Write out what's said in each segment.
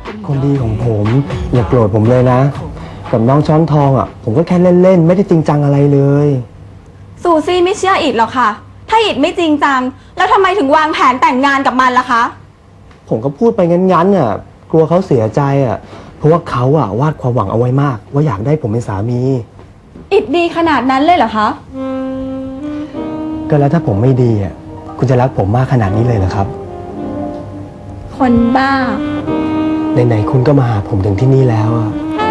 คนดีของผมอย่าโกรธผมเลยนะ กับน้องช้อนทองอ่ะผมก็แค่เล่นๆไม่ได้จริงจังอะไรเลยซูซี่ไม่เชื่ออิดหรอกค่ะ ถ้าอิดไม่จริงจัง แล้วทำไมถึงวางแผนแต่งงานกับมันล่ะคะผมก็พูดไปงั้นๆอ่ะกลัวเขาเสียใจอ่ะเพราะว่าเขาอ่ะวาดความหวังเอาไว้มาก ว่าอยากได้ผมเป็นสามีอิดดีขนาดนั้นเลยเหรอคะก็แล้วถ้าผมไม่ดีอ่ะคุณจะรักผมมากขนาดนี้เลยเหรอครับคนบ้าไหนๆคุณก็มาหาผมถึงที่นี่แล้วอ่ะ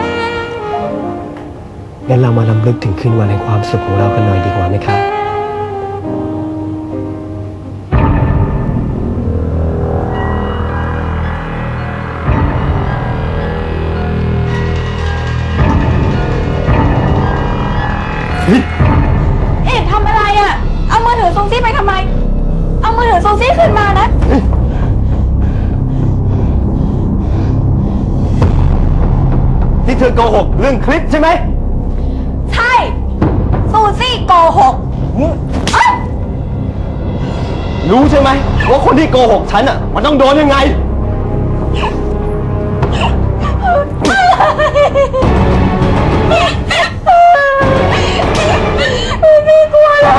งั้นเรามารำลึกถึงคืนวันแห่งความสุขของเรากันหน่อยดีกว่าไหมครับอิดทำอะไรอะ่ะ เอามือถือซูซี่ไปทำไม เอามือถือซูซี่ขึ้นมานะนี่เธอโกหกเรื่องคลิปใช่ไหมใช่ ซูซี่โกหกเอ้ยรู้ใช่ไหมว่าคนที่โกหกฉันอ่ะมันต้องโดนยังไงไม่กลัวแล้ว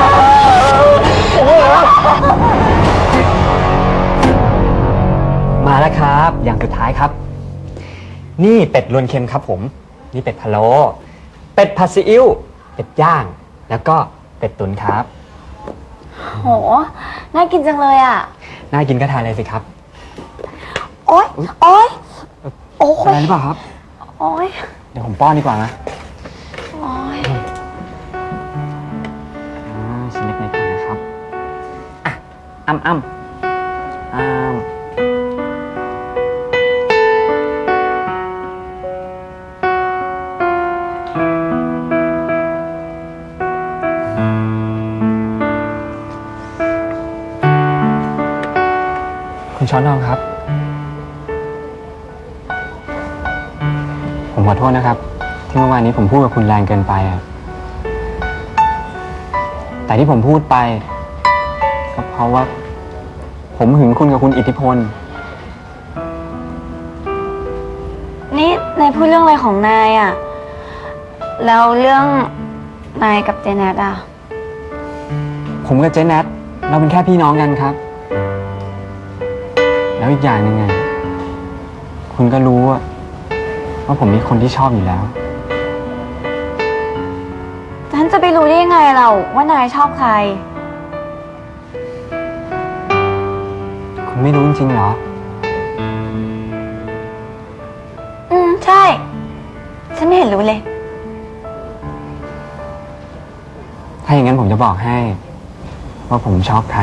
มาแล้วครับ อย่างสุดท้ายครับ นี่เป็ดรวนเค็มครับผม นี่เป็ดพะโล้เป็ดผัดซีอิ๊วเป็ดย่าง แล้วก็เป็ดตุ๋นครับโห น่ากินจังเลยอ่ะน่ากินก็ทานเลยสิครับโอ๊ย โอ๊ย โอ๊อะไรยหรือเปล่าครับโอ๊ยเดี๋ยวผมป้อนดีกว่านะโอ๊ยชิ้นเล็กๆก่อนนะครับอ่ะอ้ำอ้ำคุณช้อนทองครับ ผมขอโทษนะครับ ที่เมื่อวานนี้ผมพูดกับคุณแรงเกินไปอะแต่ที่ผมพูดไปก็เพราะว่า ผมหึงคุณกับคุณอิทธิพลนี่นายพูดเรื่องอะไรของนายอ่ะ แล้วเรื่องนายกับเจเน็ตอ่ะผมกับเจ๊แนทเราเป็นแค่พี่น้องกันครับ แล้วอีกอย่างหนึ่งไงคุณก็รู้ว่าผมมีคนที่ชอบอยู่แล้วฉันจะไปรู้ได้ยังไงเราว่านายชอบใครคุณไม่รู้จริงๆเหรอใช่ ฉันไม่เห็นรู้เลยถ้าอย่างนั้นผมจะบอกให้ ว่าผมชอบใคร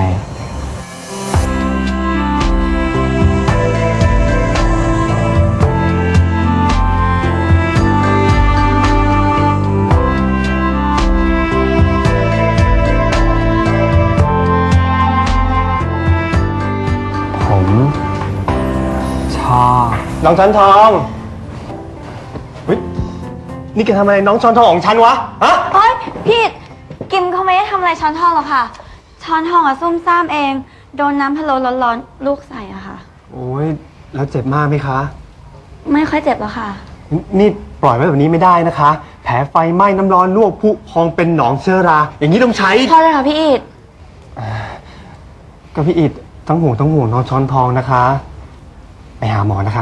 ผมชอบน้องช้อนทองเฮ้ยนี่แกทำอะไรน้องช้อนทองของฉันวะฮะโอ๊ยพี่กิมเขาไม่ได้ทำอะไรช้อนทองหรอกค่ะ ช้อนทองอะซุ่มซ่ามเอง โดนน้ำพะโล้ร้อนๆลูกใส่อะค่ะโอ้ยแล้วเจ็บมากไหมคะไม่ค่อยเจ็บหรอกค่ะนี่ปล่อยไว้แบบนี้ไม่ได้นะคะ แผลไฟไหม้น้ำร้อนลวกพุพองเป็นหนองเชื้อรา อย่างนี้ต้องใช้พอเลยค่ะพี่อิดก็พี่อิดต้องห่วงน้องช้อนทองนะคะ ไปหาหมอนะคะ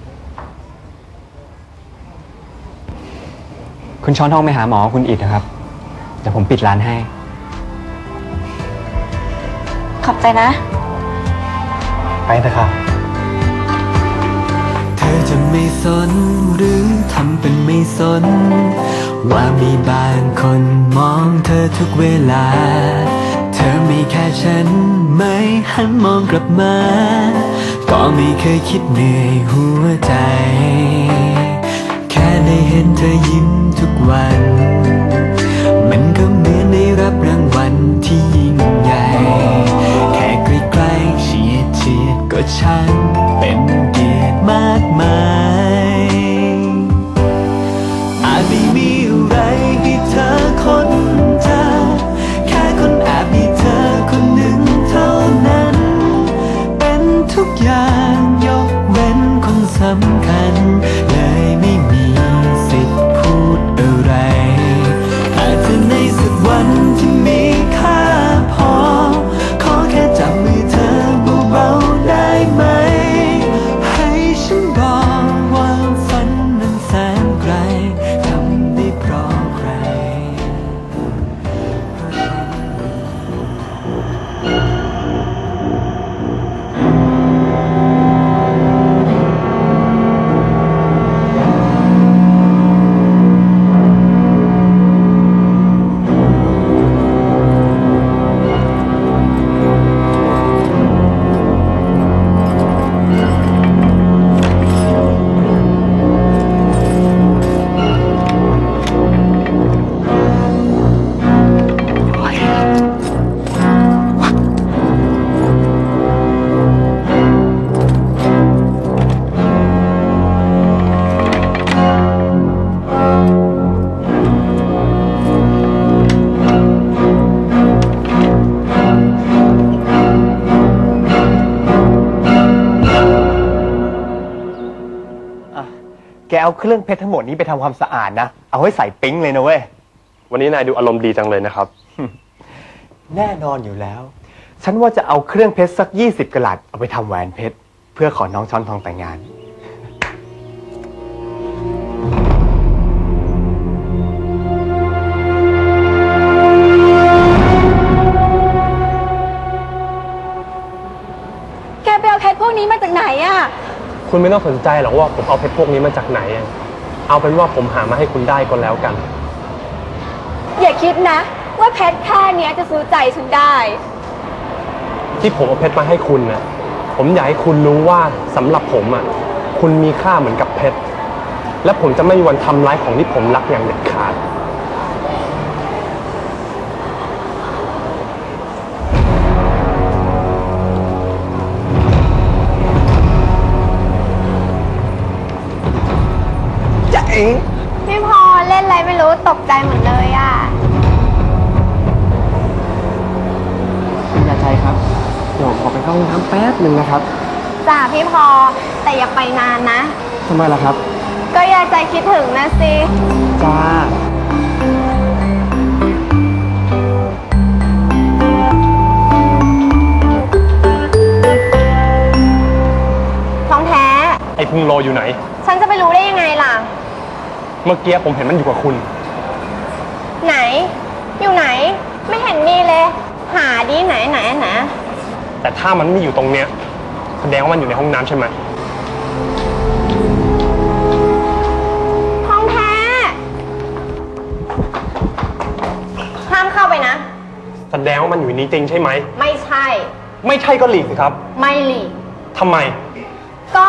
คุณช้อนทองไปหาหมอคุณอิดนะครับ เดี๋ยวผมปิดร้านให้ขอบใจนะไปเถอะค่ะเธอจะไม่สนหรือทำเป็นไม่สน ว่ามีบางคนมองเธอทุกเวลา เธอไม่แค่ฉันไม่หันมองกลับมา ก็ไม่เคยคิดเหนื่อยหัวใจ แค่ได้เห็นเธอยิ้มทุกวัน มันก็เหมือนได้รับรางวัลที่ยิ่งใหญ่ แค่ใกล้ๆเฉียดก็ช่างเป็นเกียรติมากมาย อาจไม่มีอะไรให้เธอค้นเจอแค่คนแอบมีเธอคนหนึ่งเท่านั้น เป็นทุกอย่างยกเว้นคนโสสำคัญเลยไม่มีสิทธิ์พูดอะไรอาจจะในสักวันที่มีค่าพอขอแค่จับมือเธอเบาๆได้ไหมให้ฉันบอกว่าฝันนั้นแสนไกลทำได้เพราะใครแกเอาเครื่องเพชรทั้งหมดนี้ไปทำความสะอาดนะ เอาให้ใส่ปิ๊งเลยนะเว้ยวันนี้นายดูอารมณ์ดีจังเลยนะครับแน่นอนอยู่แล้ว ฉันว่าจะเอาเครื่องเพชรสัก20 กะรัตเอาไปทำแหวนเพชรเพื่อขอน้องช้อนทองแต่งงานแกไปเอาเพชรพวกนี้มาจากไหนอะคุณไม่ต้องสนใจหรอกว่าผมเอาเพชรพวกนี้มาจากไหนอะเอาเป็นว่าผมหามาให้คุณได้ก็แล้วกันอย่าคิดนะ ว่าเพชรแค่เนี้ยจะซื้อใจฉันได้ที่ผมเอาเพชรมาให้คุณนะผมอยากให้คุณรู้ว่าสำหรับผมอ่ะคุณมีค่าเหมือนกับเพชรและผมจะไม่มีวันทำร้ายของที่ผมรักอย่างเด็ดขาดจะเอ๋พี่พอเล่นอะไรไม่รู้ตกใจหมดเลยอ่ะคุณยาใจครับ เดี๋ยวขอไปเข้าห้องน้ำแป๊บหนึ่งนะครับจ้าพี่พอแต่อย่าไปนานนะทำไมล่ะครับก็อย่าใจคิดถึงนะสิจ้าท้องแท้ไอ้พุงโลอยู่ไหนฉันจะไปรู้ได้ยังไงล่ะเมื่อกี้ผมเห็นมันอยู่กับคุณไหน อยู่ไหน ไม่เห็นมีเลย หาดิไหนไหนไหนแต่ถ้ามันไม่อยู่ตรงเนี้ยแสดงว่ามันอยู่ในห้องน้ำใช่ไหมท้องแท้ห้ามเข้าไปนะแสดงว่ามันอยู่ในนี้จริงใช่ไหมไม่ใช่ไม่ใช่ก็หลีกสิครับไม่หลีกทำไมก็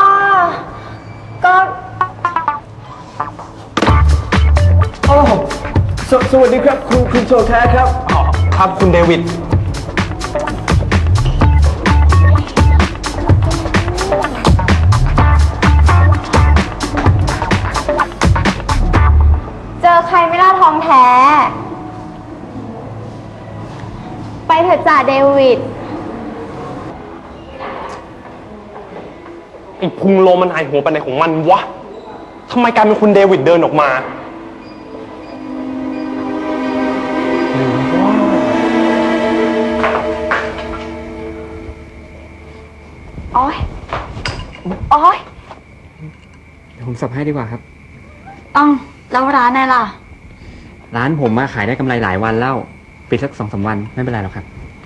โอ้สวัสดีครับ คุณโชแท้ครับครับคุณเดวิดเจอใครไม่ล่าท้องแท้ ไปเถอะจ่าเดวิดไอ้พุงโลมันหายหัวไปไหนของมันวะทำไมกลายเป็นคุณเดวิดเดินออกมาโอ๊ย โอ๊ยเดี๋ยวผมสับให้ดีกว่าครับแล้วร้านไหนล่ะร้านผมมาขายได้กำไรหลายวันแล้วปิดสัก2-3 วันไม่เป็นไรหรอกครับ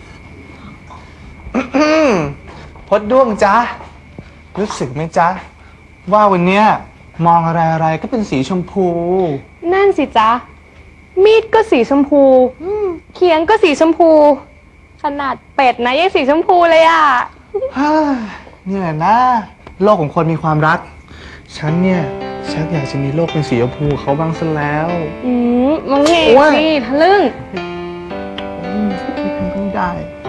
พดด้วงจ๊ะ รู้สึกไหมจ๊ะ ว่าวันเนี้ยมองอะไรๆก็เป็นสีชมพูนั่นสิจ๊ะ มีดก็สีชมพูเขียงก็สีชมพู ขนาดเป็ดนะยังสีชมพูเลยอะฮ่านี่แหละนะ โลกของคนมีความรัก ฉันเนี่ยชักอยากจะมีโลกเป็นสีชมพูเขาบ้างซะแล้วมังเงโอ้ยสิทะลึ่งไม่ได้